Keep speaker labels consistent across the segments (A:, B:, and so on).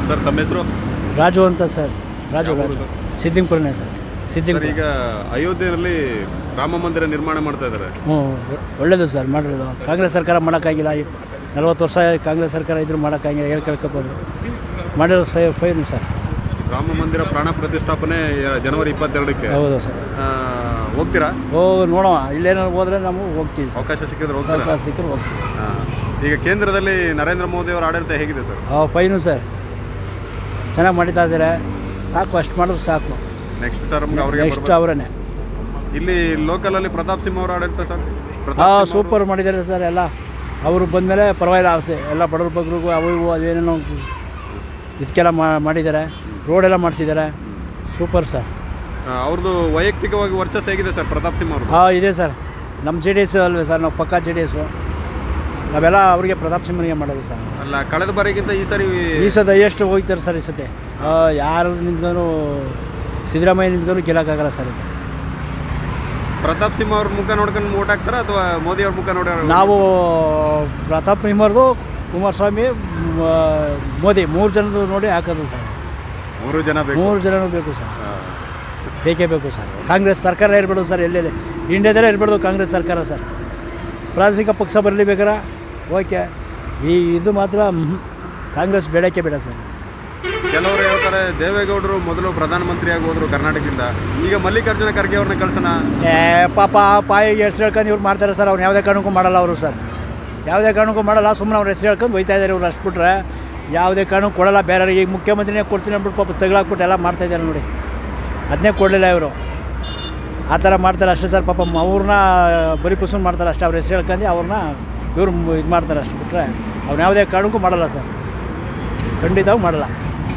A: Sir ತಮ್ಮ ಹೆಸರು?
B: ರಾಜು ಅಂತ ಸರ್. ರಾಜು
A: ಯಾವ
B: ರಾಜು
A: ಊರು?
B: ಸಿದ್ದಿಂಗ್ಪುರನೇ ಸರ್.
A: ಸರ್
B: ಸಿದ್ದಿಂಗ್ಪುರ.
A: ಈಗ ಅಯೋಧ್ಯೆಯಲ್ಲಿ ರಾಮ ಮಂದಿರ ನಿರ್ಮಾಣ ಮಾಡ್ತಾ ಇದ್ದಾರೆ.
B: ಹ್ಞೂ ಒಳ್ಳೇದು ಸರ್ ಮಾಡಿರೋದು. ಕಾಂಗ್ರೆಸ್ ಸರ್ಕಾರ ಮಾಡೋಕ್ಕಾಗಿಲ್ಲ. 40 ವರ್ಷ ಕಾಂಗ್ರೆಸ್ ಸರ್ಕಾರ ಇದ್ರೂ ಮಾಡೋಕ್ಕಾಗಿಲ್ಲ. ಹೇಳಿ ಕೇಳ್ಕೊಬೋದು. ಮಾಡಿರೋದು ಫೈನ್ ಸರ್.
A: ರಾಮ ಮಂದಿರ ಪ್ರಾಣ ಪ್ರತಿಷ್ಠಾಪನೆ ಜನವರಿ 22ಕ್ಕೆ.
B: ಹೌದು ಸರ್.
A: ಹೋಗ್ತೀರಾ?
B: ನೋಡೋಣ. ಇಲ್ಲೇನಾದ್ರು ಹೋದರೆ ನಾವು ಹೋಗ್ತೀವಿ ಸರ್.
A: ಅವಕಾಶ ಸಿಕ್ಕಿದ್ರೆ ಹೋಗ್ತೀರಾ?
B: ಸರ್ಕಾರ ಸಿಕ್ಕರೆ ಹೋಗ್ತೀವಿ.
A: ಈಗ ಕೇಂದ್ರದಲ್ಲಿ ನರೇಂದ್ರ ಮೋದಿ ಅವರ ಆಡಳಿತ ಹೇಗಿದೆ ಸರ್?
B: Fine sir. ಚೆನ್ನಾಗಿ ಮಾಡಿತಾ ಇದ್ದಾರೆ. ಸಾಕು, ಅಷ್ಟು ಮಾಡಿದ್ರು ಸಾಕು.
A: ನೆಕ್ಸ್ಟ್ ಟರ್ಮ್ಗೆ ಅವರಿಗೆ
B: ನೆಕ್ಸ್ಟ್ ಅವರೇ.
A: ಇಲ್ಲಿ ಲೋಕಲಲ್ಲಿ ಪ್ರತಾಪ್ ಸಿಂಹ ಅವರ ಆಡಳಿತ ಸರ್?
B: ಸೂಪರ್ ಮಾಡಿದ್ದಾರೆ ಸರ್. ಎಲ್ಲ ಅವರು ಬಂದಮೇಲೆ ಪರವಾಗಿಲ್ಲ. ಆಸೆ ಎಲ್ಲ ಬಡವ್ರ ಬಗ್ರಿಗೂ ಅವು ಇವು ಅದೇನೇನೋ ಇದಕ್ಕೆಲ್ಲ ಮಾಡಿದ್ದಾರೆ. ರೋಡೆಲ್ಲ ಮಾಡಿಸಿದ್ದಾರೆ. Super sir.
A: ಅವ್ರದ್ದು ವೈಯಕ್ತಿಕವಾಗಿ ವರ್ಚಸ್ಸು ಹೇಗಿದೆ ಸರ್ ಪ್ರತಾಪ್ ಸಿಂಹ ಅವರು?
B: ಇದೆ ಸರ್. ನಮ್ಮ JDS ಅಲ್ವೇ ಸರ್, ನಾವು ಪಕ್ಕಾ JDS. ನಾವೆಲ್ಲ ಅವರಿಗೆ ಪ್ರತಾಪ್ ಸಿಂಹನಿಗೆ ಮಾಡೋದು ಸರ್.
A: ಅಲ್ಲ, ಕಳೆದ ಬಾರಿಗಿಂತ ಈ
B: ಸತಿ ಎಷ್ಟು ಹೋಗ್ತಾರೆ ಸರ್. ಈ ಸತಿ ಯಾರು ನಿಂತ್ಕೊಂಡು ಸಿದ್ದರಾಮಯ್ಯ ನಿಂತ್ಕೊಂಡು ಗೆಲ್ಲಕ್ಕಾಗಲ್ಲ ಸರ್. ಇದು
A: ಪ್ರತಾಪ್ ಸಿಂಹ ಅವ್ರ ಮುಖ ನೋಡ್ಕೊಂಡು ವೋಟ್ ಹಾಕ್ತಾರ ಅಥವಾ ಮೋದಿ ಅವ್ರ ಮುಖ ನೋಡಿ?
B: ನಾವು ಪ್ರತಾಪ್ ಸಿಂಹರ್ದು, ಕುಮಾರಸ್ವಾಮಿ, ಮೋದಿ 3 ಜನದ್ದು ನೋಡಿ ಹಾಕೋದು ಸರ್.
A: 3 ಜನ ಬೇಕು.
B: 3 ಜನನೂ ಬೇಕು ಸರ್. ಬೇಕೇ ಬೇಕು ಸರ್. ಕಾಂಗ್ರೆಸ್ ಸರ್ಕಾರ ಇರಬೇಡು ಸರ್. ಎಲ್ಲೆಲ್ಲಿ ಇಂಡಿಯಾದಲ್ಲೇ ಇರಬಾರ್ದು ಕಾಂಗ್ರೆಸ್ ಸರ್ಕಾರ ಸರ್. ಪ್ರಾದೇಶಿಕ ಪಕ್ಷ ಬರಲಿ ಬೇಕಾರೆ ಓಕೆ. ಇದು ಮಾತ್ರ ಕಾಂಗ್ರೆಸ್ ಬೇಡಕ್ಕೆ ಬೇಡ ಸರ್.
A: ಕೆಲವರು ಹೇಳ್ತಾರೆ ದೇವೇಗೌಡರು ಮೊದಲು ಪ್ರಧಾನಮಂತ್ರಿಯಾಗಿ ಹೋದ್ರು ಕರ್ನಾಟಕದಿಂದ, ಈಗ ಮಲ್ಲಿಕಾರ್ಜುನ ಖರ್ಗೆ ಅವ್ರನ್ನ ಕಳ್ಸೋಣ.
B: ಪಾಪ ಪಾಯಿಗೆ ಹೆಸರು ಹೇಳ್ಕೊಂಡು ಇವ್ರು ಮಾಡ್ತಾರೆ ಸರ್. ಅವ್ರು ಯಾವುದೇ ಕಾರಣಕ್ಕೂ ಮಾಡಲ್ಲ ಅವರು ಸರ್. ಯಾವುದೇ ಕಾರಣಕ್ಕೂ ಮಾಡಲ್ಲ. ಸುಮ್ಮನೆ ಅವ್ರ ಹೆಸರು ಹೇಳ್ಕೊಂಡು ಹೋಯ್ತಾ ಇದ್ದಾರೆ ಇವ್ರು. ಅಷ್ಟು ಬಿಟ್ರೆ ಯಾವುದೇ ಕಾರಣಕ್ಕೂ ಕೊಡಲ್ಲ. ಬೇರೆಯವ್ರಿಗೆ ಈಗ ಮುಖ್ಯಮಂತ್ರಿನೇ ಕೊಡ್ತೀನಿ ಅಂದ್ಬಿಟ್ಟು ಪಾಪ ತಗಲಾಕ್ಬಿಟ್ಟು ಎಲ್ಲ ಮಾಡ್ತಾಯಿದ್ದಾರೆ ನೋಡಿ. ಅದನ್ನೇ ಕೊಡಲಿಲ್ಲ ಇವರು. ಆ ಥರ ಮಾಡ್ತಾರೆ ಅಷ್ಟೇ ಸರ್. ಪಾಪ ಅವ್ರನ್ನ ಬರೀ ಪುಸ್ಸನ್ ಮಾಡ್ತಾರೆ ಅಷ್ಟೇ. ಅವ್ರ ಹೆಸರು ಹೇಳ್ಕೊಂಡು ಅವ್ರನ್ನ ಇವ್ರು ಇದು ಮಾಡ್ತಾರೆ ಅಷ್ಟು ಬಿಟ್ಟರೆ ಅವ್ರು ಯಾವುದೇ ಕಾರಣಕ್ಕೂ ಮಾಡಲ್ಲ ಸರ್. ಖಂಡಿತವಾಗಿ ಮಾಡಲ್ಲ.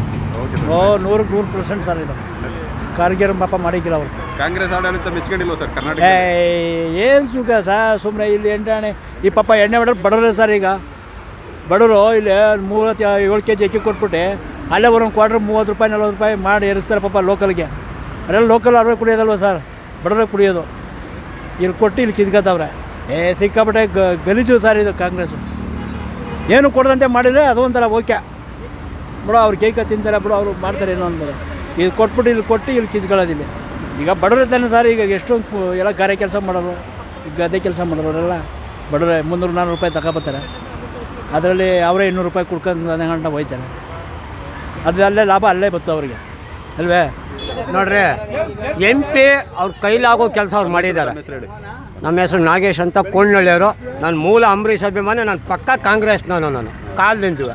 B: 100% ಸರ್. ಇದು ಖರ್ಗೆ ಪಾಪ ಮಾಡಿಕ್ಕಿಲ್ಲ ಅವರು. ಕಾಂಗ್ರೆಸ್
A: ಆಡಳಿತ ಮೆಚ್ಕೊಂಡಿಲ್ವ ಸರ್ ಕರ್ನಾಟಕ?
B: ಏನು ಸುಖ ಸರ್. ಸುಮ್ಮನೆ ಇಲ್ಲಿ ಎಂಟಾಣೆ ಈ ಪಾಪ ಎಣ್ಣೆ ಹೊಡೆದು ಬಡವ್ರೆ ಸರ್. ಈಗ ಬಡವರು ಇಲ್ಲಿ 37 kg ಅಕ್ಕಿ ಕೊಟ್ಬಿಟ್ಟು ಅಲ್ಲೇ ಒಂದೊಂದು ಕ್ವಾರ್ಟ್ರ್ 30 ರೂಪಾಯಿ 40 ರೂಪಾಯಿ ಮಾಡಿ ಏರಿಸ್ತಾರೆ ಪಾಪ ಲೋಕಲ್ಗೆ. ಅದೆಲ್ಲ ಲೋಕಲ್ ಅವ್ರಿಗೆ ಕುಡಿಯೋದಲ್ವ ಸರ್, ಬಡವ್ರಿಗೆ ಕುಡಿಯೋದು. ಇಲ್ಲಿ ಕೊಟ್ಟು ಇಲ್ಲಿ ಕಿದ್ಕೋತವ್ರೆ. ಸಿಕ್ಕಾಬಿಟ್ಟೆ ಗಲೀಜು ಸರ್ ಇದು ಕಾಂಗ್ರೆಸ್ಸು. ಏನು ಕೊಡದಂತೆ ಮಾಡಿದರೆ ಅದು ಒಂಥರ ಓಕೆ ಬಿಡು. ಅವ್ರು ಕೇಕ ತಿಂತಾರೆ ಬಿಡು, ಅವರು ಮಾಡ್ತಾರೆ ಏನೋ ಅಂದ್ಬೋದು. ಇದು ಕೊಟ್ಬಿಟ್ಟು ಇಲ್ಲಿ ಕೊಟ್ಟು ಇಲ್ಲಿ ಕಿಸ್ಕೊಳ್ಳೋದಿಲ್ಲ. ಈಗ ಬಡವ್ರು ತಾನೆ ಸರ್. ಈಗ ಎಷ್ಟೊಂದು ಎಲ್ಲ ಗಾರೆ ಕೆಲಸ ಮಾಡೋರು, ಗದ್ದೆ ಕೆಲಸ ಮಾಡೋರೆಲ್ಲ ಬಡವ್ರೆ 300-400 ರೂಪಾಯಿ ತಗೊಬತ್ತಾರೆ. ಅದರಲ್ಲಿ ಅವರೇ 200 ರೂಪಾಯಿ ಕುಡ್ಕೊಂಡು ಅದೇ ಗಂಟೆ ಹೋಯ್ತಾರೆ. ಅದು ಅಲ್ಲೇ ಲಾಭ ಅಲ್ಲೇ ಬತ್ತು ಅವರಿಗೆ ಅಲ್ವೇ.
C: ನೋಡ್ರಿ, MP ಅವ್ರ ಕೈಲಾಗೋ ಕೆಲಸ ಅವ್ರು ಮಾಡಿದ್ದಾರೆ. ನಮ್ಮ ಹೆಸರು ನಾಗೇಶ್ ಅಂತ, ಕೊಂಡಳ್ಳಿಯವರು. ನಾನು ಮೂಲ ಅಂಬರೀಷ್ ಅಭಿಮಾನಿ. ನಾನು ಪಕ್ಕ ಕಾಂಗ್ರೆಸ್ನವನು. ನಾನು ಕಾಲದಿಂದ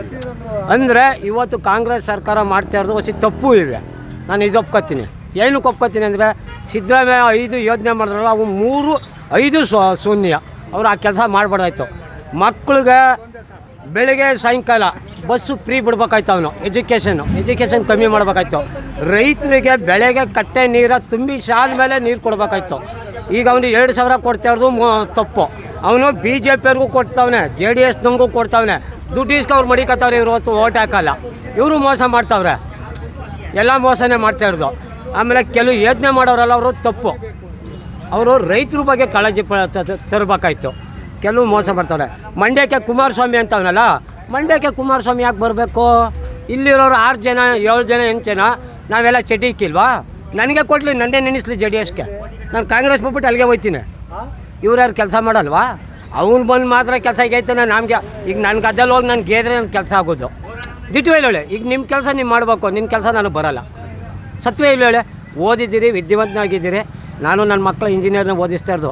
C: ಅಂದರೆ ಇವತ್ತು ಕಾಂಗ್ರೆಸ್ ಸರ್ಕಾರ ಮಾಡ್ತಾ ಇರೋದು ಹೊಸ ತಪ್ಪು ಇವೆ. ನಾನು ಇದು ಒಪ್ಕೊತೀನಿ. ಏನಕ್ಕೆ ಒಪ್ಕೊತೀನಿ ಅಂದರೆ, ಸಿದ್ದರಾಮಯ್ಯ 5 ಯೋಜನೆ ಮಾಡಿದ್ರಲ್ಲ, ಅವು 3-5 ಶೂನ್ಯ. ಅವ್ರು ಆ ಕೆಲಸ ಮಾಡಬಾರ್ದಾಯ್ತು. ಮಕ್ಳಿಗೆ ಬೆಳಿಗ್ಗೆ ಸಾಯಂಕಾಲ ಬಸ್ಸು ಫ್ರೀ ಬಿಡ್ಬೇಕಾಯ್ತು. ಅವನು ಎಜುಕೇಷನ್ ಕಮ್ಮಿ ಮಾಡಬೇಕಾಯ್ತು. ರೈತರಿಗೆ ಬೆಳೆಗೆ ಕಟ್ಟೆ ನೀರು ತುಂಬಿ ಶಾಲ ಮೇಲೆ ನೀರು ಕೊಡಬೇಕಾಯ್ತು. ಈಗ ಅವನು 2,000 ಕೊಡ್ತಾ ಇರೋದು ತಪ್ಪು. ಅವನು BJP-ಅವ್ರಿಗೂ ಕೊಡ್ತಾವನೆ, JDS-ನವ್ರಿಗೂ ಕೊಡ್ತಾವನೆ. ದುಡ್ಡು ಇಸ್ಕೊ ಅವ್ರು ಮಡಿಕತ್ತವ್ರೆ. ಇವರು ಹೊತ್ತು ಓಟ್ ಹಾಕಲ್ಲ. ಇವರು ಮೋಸ ಮಾಡ್ತಾವ್ರೆ. ಎಲ್ಲ ಮೋಸನೇ ಮಾಡ್ತಾ ಇರೋದು. ಆಮೇಲೆ ಕೆಲವು ಯೋಜನೆ ಮಾಡೋರಲ್ಲ, ಅವರು ತಪ್ಪು. ಅವರು ರೈತರ ಬಗ್ಗೆ ಕಾಳಜಿ ತರಬೇಕಾಯ್ತು. ಕೆಲವು ಮೋಸ ಮಾಡ್ತಾವ್ರೆ. ಮಂಡ್ಯಕ್ಕೆ ಕುಮಾರಸ್ವಾಮಿ ಅಂತವನಲ್ಲ, ಮಂಡ್ಯಕ್ಕೆ ಕುಮಾರಸ್ವಾಮಿ ಯಾಕೆ ಬರಬೇಕು? ಇಲ್ಲಿರೋರು 6 ಜನ 7 ಜನ 8 ಜನ ನಾವೆಲ್ಲ ಚಟಿಕ್ಕಿಲ್ವಾ? ನನಗೆ ಕೊಡಲಿ, ನನ್ನೇ ನೆನೆಸ್ಲಿ JDS-ಗೆ. ನಾನು ಕಾಂಗ್ರೆಸ್ ಬಿಟ್ಬಿಟ್ಟು ಅಲ್ಲಿಗೆ ಹೋಗ್ತೀನಿ. ಇವ್ರು ಯಾರು ಕೆಲಸ ಮಾಡಲ್ವಾ? ಅವ್ನು ಬಂದು ಮಾತ್ರ ಕೆಲಸ ಆಗೈತಾನೆ. ನಮಗೆ ಈಗ ನನ್ನ ಗದ್ದೆಲ್ಲಿ ಹೋಗಿ ನಾನು ಗೆದ್ರೆ ನನ್ನ ಕೆಲಸ ಆಗೋದು. ದಿಟ್ಟು ಹೇಳಿ, ಈಗ ನಿಮ್ಮ ಕೆಲಸ ನೀವು ಮಾಡಬೇಕು. ನಿನ್ನ ಕೆಲಸ ನನಗೆ ಬರೋಲ್ಲ. ಸತ್ವೇ ಇಲ್ಲ ಹೇಳಿ. ಓದಿದ್ದೀರಿ, ವಿದ್ಯಾವಂತನಾಗಿದ್ದೀರಿ. ನಾನು ನನ್ನ ಮಕ್ಕಳ ಇಂಜಿನಿಯರ್ನ ಓದಿಸ್ತಾ ಇರೋದು.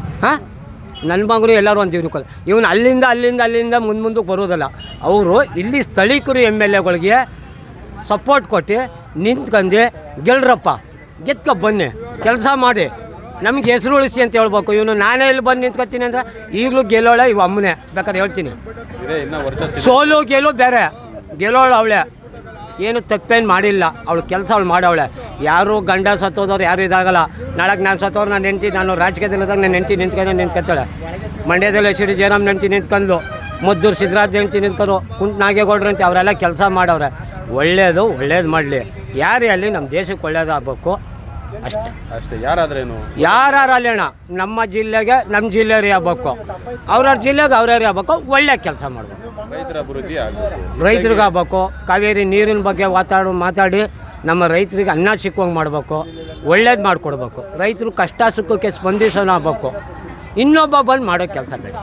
C: ನನ್ನ ಮಗನು ಎಲ್ಲರೂ ಒಂದು ಜೀವನಕ್ಕೆ ಇವನು ಅಲ್ಲಿಂದ ಮುಂದಕ್ಕೆ ಬರೋದಲ್ಲ. ಅವರು ಇಲ್ಲಿ ಸ್ಥಳೀಕರು MLA-ಗಳಿಗೆ ಸಪೋರ್ಟ್ ಕೊಟ್ಟು ನಿಂತ್ಕೊಂಡು ಗೆಲ್ರಪ್ಪ, ಗೆದ್ಕೊ ಬನ್ನಿ, ಕೆಲಸ ಮಾಡಿ, ನಮ್ಗೆ ಹೆಸರು ಉಳಿಸಿ ಅಂತ ಹೇಳ್ಬೇಕು. ಇವನು ನಾನೇ ಇಲ್ಲಿ ಬಂದು ನಿಂತ್ಕೊತೀನಿ ಅಂದರೆ ಈಗಲೂ ಗೆಲ್ಲೋಳೆ ಇವು ಅಮ್ಮನೇ. ಬೇಕಾದ್ರೆ ಹೇಳ್ತೀನಿ, ಸೋಲು ಗೆಲು ಬೇರೆ. ಗೆಲ್ಲೋಳು ಅವಳೆ, ಏನು ತಪ್ಪೇನು ಮಾಡಿಲ್ಲ. ಅವಳು ಕೆಲಸ ಅವಳು ಮಾಡವಳೆ. ಯಾರು ಗಂಡ ಸತ್ತೋದವ್ರು ಯಾರು ಇದಾಗಲ್ಲ. ನಾಳೆಗೆ ನಾನು ಸತ್ತೋರು ನಾನು ಹೆಂಡ್ತಿ, ನಾನು ರಾಜಕೀಯದಲ್ಲಿದ್ದಾಗ ನಾನು ಹೆಂಡ್ತಿ ನಿಂತ್ಕೊತಾಳೆ. ಮಂಡ್ಯದಲ್ಲಿ HD ಜಯರಾಮ್ ಹೆಂಡ್ತಿ ನಿಂತ್ಕೊಂಡು, ಮದ್ದೂರು ಸಿದ್ದರಾಜ್ ಹೆಂಡ್ತಿ ನಿಂತ್ಕೊಂಡು, ಕುಂಟ ನಾಗೇಗೌಡ್ರು ಅಂತ ಅವರೆಲ್ಲ ಕೆಲಸ ಮಾಡವ್ರೆ. ಒಳ್ಳೇದು ಮಾಡಲಿ. ಯಾರೇ ಅಲ್ಲಿ ನಮ್ಮ ದೇಶಕ್ಕೆ ಒಳ್ಳೇದಾಗಬೇಕು. ಅಷ್ಟೇ.
A: ಅಷ್ಟೇ. ಯಾರಾದ್ರೇನು
C: ಯಾರು ಅಲ್ಲೇಣ ನಮ್ಮ ಜಿಲ್ಲೆಗೆ ನಮ್ಮ ಜಿಲ್ಲೆಯವ್ರು ಆಗ್ಬೇಕು, ಅವ್ರವ್ರ ಜಿಲ್ಲೆಗೆ ಅವ್ರವ್ರು ಆಗ್ಬೇಕು, ಒಳ್ಳೆ ಕೆಲಸ ಮಾಡಬೇಕು,
A: ರೈತರ ಅಭಿವೃದ್ಧಿ ಆಗಬೇಕು,
C: ರೈತರಿಗೆ ಆಗ್ಬೇಕು. ಕಾವೇರಿ ನೀರಿನ ಬಗ್ಗೆ ಮಾತಾಡಿ ನಮ್ಮ ರೈತರಿಗೆ ಅನ್ನ ಸಿಕ್ಕುವಂಗೆ ಮಾಡಬೇಕು, ಒಳ್ಳೇದು ಮಾಡಿಕೊಡ್ಬೇಕು. ರೈತರು ಕಷ್ಟ ಸುಖಕ್ಕೆ ಸ್ಪಂದಿಸೋಣ ಆಗ್ಬೇಕು, ಇನ್ನೊಬ್ಬ ಬಂದು ಮಾಡೋ ಕೆಲಸ ಬೇಡ.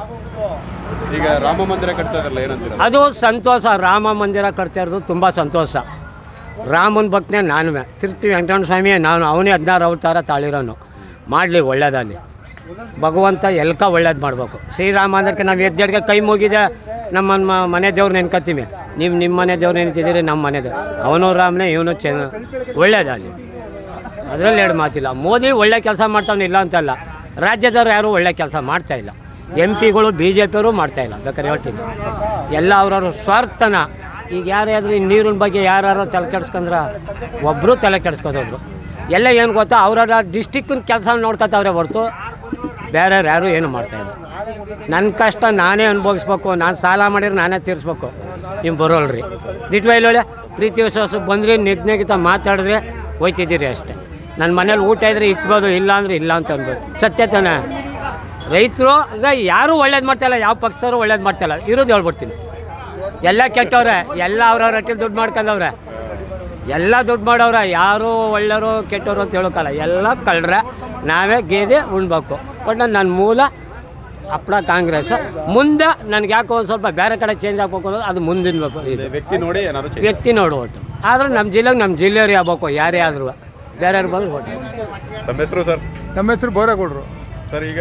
A: ಈಗ ರಾಮ ಮಂದಿರ ಕಟ್ತಾ ಇರಲ್ಲ, ಏನಂತೀರ?
C: ಅದು ಸಂತೋಷ. ರಾಮ ಮಂದಿರ ಕಟ್ತಾ ಇರೋದು ತುಂಬ ಸಂತೋಷ. ರಾಮನ ಭಕ್ತನೇ ನಾನುವೇ, ತಿರುಪತಿ ವೆಂಕಟರಮಣ ಸ್ವಾಮಿಯೇ ನಾನು, ಅವನೇ 16 ಅವತಾರ ತಾಳಿರೋನು. ಮಾಡಲಿ ಒಳ್ಳೇದಲ್ಲಿ ಭಗವಂತ ಎಲ್ಕ ಒಳ್ಳೇದು ಮಾಡಬೇಕು. ಶ್ರೀರಾಮ ಅಂದಕ್ಕೆ ನಾವು ಎದ್ದೆಡ್ಗೆ ಕೈ ಮುಗಿದೆ ನಮ್ಮ ಮನೆ ದೇವ್ರು ನೆನ್ಕೊತೀವಿ. ನೀವು ನಿಮ್ಮ ಮನೆ ದೇವ್ರು ನೆನ್ತಿದ್ದೀರಿ, ನಮ್ಮ ಮನೆ ದೇವ್ರು. ಅವನು ರಾಮನೇ, ಇವನು ಒಳ್ಳೇದಲ್ಲಿ, ಅದರಲ್ಲಿ ಎರಡು ಮಾತಿಲ್ಲ. ಮೋದಿ ಒಳ್ಳೆ ಕೆಲಸ ಮಾಡ್ತಾವನು ಇಲ್ಲ ಅಂತಲ್ಲ, ರಾಜ್ಯದವ್ರು ಯಾರೂ ಒಳ್ಳೆ ಕೆಲಸ ಮಾಡ್ತಾಯಿಲ್ಲ. MP ಗಳು BJPಯವರು ಮಾಡ್ತಾಯಿಲ್ಲ. ಬೇಕಾದ್ರೆ ಹೇಳ್ತೀನಿ, ಎಲ್ಲ ಅವ್ರವ್ರ ಸ್ವಾರ್ಥನ. ಈಗ ಯಾರಾದರೂ ಈ ನೀರಿನ ಬಗ್ಗೆ ಯಾರು ತಲೆ ಕೆಡ್ಸ್ಕೊಂಡ್ರೆ ಒಬ್ಬರು ತಲೆ ಕೆಡ್ಸ್ಕೊದೊಬ್ರು. ಎಲ್ಲ ಏನು ಗೊತ್ತಾ, ಅವ್ರವ್ರ ಡಿಸ್ಟಿಕ್ಕಿನ ಕೆಲಸ ನೋಡ್ಕೊತಾವ್ರೆ ಹೊರತು ಬೇರೆಯವ್ರು ಯಾರೂ ಏನು ಮಾಡ್ತಾಯಿಲ್ಲ. ನನ್ನ ಕಷ್ಟ ನಾನೇ ಅನುಭವಿಸ್ಬೇಕು, ನಾನು ಸಾಲ ಮಾಡಿದ್ರೆ ನಾನೇ ತೀರಿಸ್ಬೇಕು. ನೀವು ಬರೋಲ್ರಿ ದಿಟ್ವೈಲೊಳ್ಳೆ ಪ್ರೀತಿ ವಿಶ್ವಾಸ ಬಂದ್ರಿ, ನಿಗ್ನಗಿತ ಮಾತಾಡಿದ್ರೆ ಹೋಯ್ತಿದ್ದೀರಿ ಅಷ್ಟೇ. ನನ್ನ ಮನೇಲಿ ಊಟ ಇದ್ದರೆ ಇಕ್ಬೋದು, ಇಲ್ಲ ಅಂದರೆ ಇಲ್ಲ ಅಂತ ಅನ್ಬೋದು. ಸತ್ಯ ತಾನೆ. ರೈತರು ಈಗ ಯಾರೂ ಒಳ್ಳೇದು ಮಾಡ್ತಾಯಿಲ್ಲ, ಯಾವ ಪಕ್ಷದವರು ಒಳ್ಳೇದು ಮಾಡ್ತಾಯಿಲ್ಲ. ಇರೋದು ಹೇಳ್ಬಿಡ್ತೀನಿ, ಎಲ್ಲ ಕೆಟ್ಟವ್ರೆ, ಎಲ್ಲ ಅವ್ರವ್ರ ಹಟ್ಟಿಲಿ ದುಡ್ಡು ಮಾಡ್ಕೊಂಡವ್ರೆ, ಎಲ್ಲ ದುಡ್ಡು ಮಾಡವ್ರೆ. ಯಾರೂ ಒಳ್ಳೆಯವರು ಕೆಟ್ಟವರು ಅಂತ ಹೇಳೋಕ್ಕಲ್ಲ, ಎಲ್ಲ ಕಳ್ರೆ. ನಾವೇ ಗೇದೆ ಉಣ್ಬೇಕು. ಬಟ್ ನನ್ನ ಮೂಲ ಹಪ್ಪಳ ಕಾಂಗ್ರೆಸ್. ಮುಂದೆ ನನಗೆ ಯಾಕೋ ಒಂದು ಸ್ವಲ್ಪ ಬೇರೆ ಕಡೆ ಚೇಂಜ್ ಆಗ್ಬೇಕು ಅನ್ನೋದು ಅದು ಮುಂದಿನಬೇಕು.
A: ವ್ಯಕ್ತಿ ನೋಡಿ ಏನಾದ್ರು
C: ವ್ಯಕ್ತಿ ನೋಡಿ ಓಟು. ಆದರೆ ನಮ್ಮ ಜಿಲ್ಲೆಗೆ ನಮ್ಮ ಜಿಲ್ಲೆಯವ್ರು ಆಗ್ಬೇಕು, ಯಾರೇ ಆದರೂ ಬೇರೆಯವ್ರು ಬಂದು ಓಟು.
A: ನಮ್ಮ ಹೆಸರು ಸರ್?
D: ನಮ್ಮ ಹೆಸರು ಬೋರೇಗೌಡರು
A: ಸರ್. ಈಗ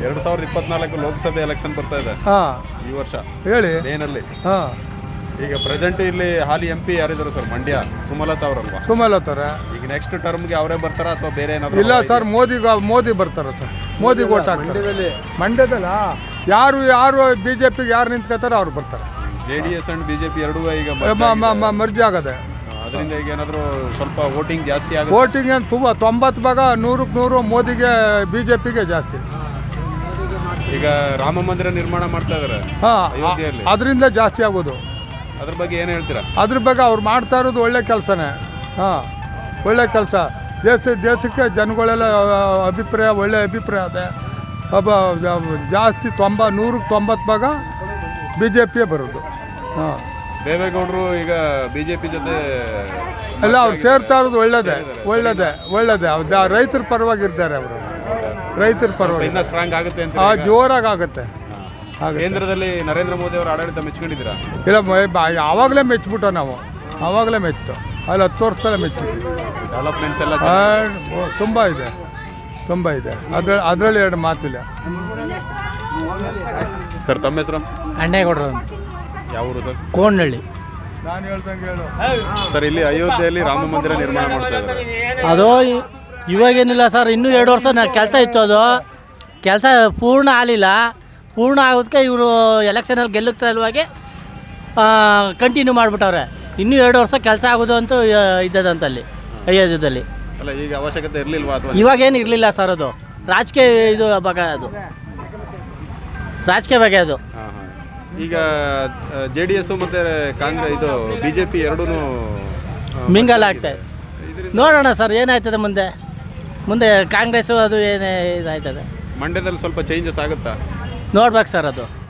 A: 2024 ಲೋಕಸಭೆ ಎಲೆಕ್ಷನ್ ಬರ್ತಾ ಇದೆ ಈ ವರ್ಷ.
D: ಹೇಳಿ.
A: ಏನಲ್ಲಿ
D: ಹಾಂ,
A: ಈಗ ಪ್ರೆಸೆಂಟ್ ಇಲ್ಲಿ ಹಾಲಿ MP ಯಾರಿದ್ದಾರೆ ಸರ್? ಮಂಡ್ಯ ಸುಮಲತಾ ಅವರಲ್ವಾ?
D: ಸುಮಲತಾರೆ.
A: ಈಗ ನೆಕ್ಸ್ಟ್ ಟರ್ಮ್ಗೆ ಅವರೇ ಬರ್ತಾರಾ ಅಥವಾ ಬೇರೆ ಏನಾದ್ರು?
D: ಇಲ್ಲ ಸರ್, ಮೋದಿ ಬರ್ತಾರೆ ಸರ್. ಮೋದಿಗೆ ಓಟ್ ಹಾಕ್ತಾರೆ. ಮಂಡ್ಯದಲ್ಲ, ಯಾರು BJPಗೆ ಯಾರು ನಿಂತ್ಕೋತಾರೋ ಅವ್ರು ಬರ್ತಾರೆ.
A: JDS ಅಂಡ್ BJP ಎರಡೂ ಈಗ
D: ಮರ್ಜಿ ಆಗದೆ.
A: ಅದರಿಂದ ಈಗ ಏನಾದರೂ ಸ್ವಲ್ಪ ವೋಟಿಂಗ್ ಜಾಸ್ತಿ ಆಗುತ್ತೆ?
D: ವೋಟಿಂಗ್ ಏನು ತುಂಬ 90 ಭಾಗ 100ಕ್ಕೆ 100 ಮೋದಿಗೆ, BJPಗೆ ಜಾಸ್ತಿ.
A: ಈಗ ರಾಮ ಮಂದಿರ ನಿರ್ಮಾಣ ಮಾಡ್ತಾ ಇದ್ದಾರೆ ಅಯೋಧ್ಯೆಯಲ್ಲಿ,
D: ಅದರಿಂದ ಜಾಸ್ತಿ ಆಗೋದು.
A: ಅದ್ರ ಬಗ್ಗೆ ಏನು ಹೇಳ್ತೀರಾ?
D: ಅದ್ರ ಬಗ್ಗೆ ಅವ್ರು ಮಾಡ್ತಾ ಇರೋದು ಒಳ್ಳೆ ಕೆಲಸನೇ. ಹಾಂ, ಒಳ್ಳೆ ಕೆಲಸ. ದೇಶಕ್ಕೆ ಜನಗಳೆಲ್ಲ ಅಭಿಪ್ರಾಯ, ಒಳ್ಳೆ ಅಭಿಪ್ರಾಯ ಅದೇ. ಜಾಸ್ತಿ 100ಕ್ಕೆ 90 ಭಾಗ BJPಯೇ ಬರೋದು. ಹಾಂ,
A: ದೇವೇಗೌಡರು ಈಗ BJP ಜೊತೆ
D: ಎಲ್ಲ ಅವ್ರು ಸೇರ್ತಾ ಇರೋದು ಒಳ್ಳೇದೇ. ರೈತರ ಪರವಾಗಿರ್ತಾರೆ ಅವರು, ರೈತರ ಪರವಾಗಿ
A: ಇನ್ನೂ ಸ್ಟ್ರಾಂಗ್ ಆಗುತ್ತೆ ಅಂತ.
D: ಜೋರಾಗಿ ಆಗುತ್ತೆ.
A: ಕೇಂದ್ರದಲ್ಲಿ ನರೇಂದ್ರ ಮೋದಿ ಅವರ ಆಡಳಿತ ಮೆಚ್ಕೊಂಡಿದ್ದೀರಾ?
D: ಇಲ್ಲ, ಆವಾಗಲೇ ಮೆಚ್ಚಿಬಿಟ್ಟು ನಾವು, ಆವಾಗಲೇ ಮೆಚ್ಚಿತು. ಅಲ್ಲಿ 10 ವರ್ಷದಲ್ಲೇ ಮೆಚ್ಚಿದ್ವಿ.
A: ಡೆವಲಪ್ಮೆಂಟ್ಸ್ ಎಲ್ಲ
D: ತುಂಬ ಇದೆ. ಅದರಲ್ಲಿ ಎರಡು ಮಾತಿಲ್ಲ.
A: ಸರ್, ತಮ್ಮ ಹೆಸರು?
B: ಅಣ್ಣೇಗೌಡರು.
A: ಯಾವ ಊರು ಸರ್?
B: ಕೋಣನಹಳ್ಳಿ.
D: ನಾನು ಹೇಳ್ದಂಗೆ ಹೇಳು
A: ಸರ್. ಇಲ್ಲಿ ಅಯೋಧ್ಯೆಯಲ್ಲಿ ರಾಮ ಮಂದಿರ ನಿರ್ಮಾಣ ಮಾಡ್ತಾ ಇದ್ದಾರೆ.
B: ಅದು ಇವಾಗೇನಿಲ್ಲ ಸರ್, ಇನ್ನೂ 2 ವರ್ಷ ಕೆಲಸ ಇತ್ತು. ಅದು ಕೆಲಸ ಪೂರ್ಣ ಆಗಲಿಲ್ಲ. ಪೂರ್ಣ ಆಗೋದಕ್ಕೆ ಇವರು ಎಲೆಕ್ಷನಲ್ಲಿ ಗೆಲ್ಲಕ್ಕೆ ಸಲುವಾಗಿ ಕಂಟಿನ್ಯೂ ಮಾಡಿಬಿಟ್ಟವ್ರೆ. ಇನ್ನೂ 2 ವರ್ಷ ಕೆಲಸ ಆಗೋದು ಅಂತೂ ಇದ್ದದಂತಲ್ಲಿ ಅಯೋಧ್ಯದಲ್ಲಿ.
A: ಅಲ್ಲ, ಈಗ ಅವಶ್ಯಕತೆ ಇರಲಿಲ್ವಾ ಅಥವಾ?
B: ಇವಾಗೇನು ಇರಲಿಲ್ಲ ಸರ್, ಅದು ರಾಜಕೀಯ ಬಗ್ಗೆ, ರಾಜಕೀಯ ಬಗ್ಗೆ ಅದು.
A: ಈಗ JDS ಮತ್ತು ಕಾಂಗ್ರೆಸ್ BJP ಎರಡೂ
B: ಮಿಂಗಲ್ ಆಗ್ತಾಯಿದೆ. ನೋಡೋಣ ಸರ್ ಏನಾಯ್ತದೆ ಮುಂದೆ ಕಾಂಗ್ರೆಸ್ಸು ಅದು ಏನೇ ಇದಾಯ್ತದೆ.
A: ಮಂಡ್ಯದಲ್ಲಿ ಸ್ವಲ್ಪ ಚೇಂಜಸ್ ಆಗುತ್ತಾ?
B: ನೋಡ್ಬೇಕು ಸರ್ ಅದು.